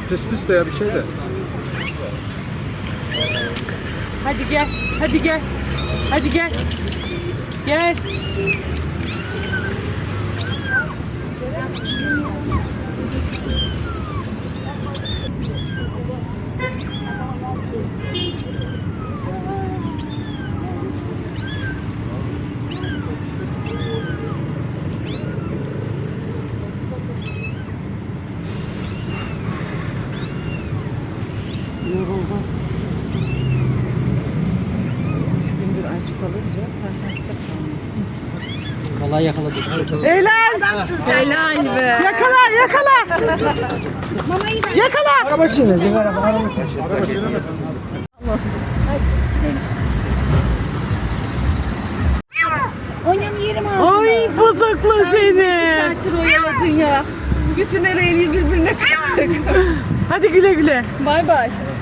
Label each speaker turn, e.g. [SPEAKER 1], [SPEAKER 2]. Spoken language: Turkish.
[SPEAKER 1] Pis pis de ya bir şey de.
[SPEAKER 2] Hadi gel. Hadi gel. Hadi gel. Gel. Yoruldum. 3 gündür aç kalınca tarhanatta kalmıyorsun.
[SPEAKER 3] Vallahi yakaladık.
[SPEAKER 2] Helal. Helal be. Yakala yakala. Yakala.
[SPEAKER 3] Araba çiğnedi. Araba
[SPEAKER 2] Oynam yerim ağzına.
[SPEAKER 4] Ay bozuklu seni.
[SPEAKER 2] Saattir oyaladın ya. Bütün el eli birbirine kattık.
[SPEAKER 4] Hadi güle güle.
[SPEAKER 2] Bay bay.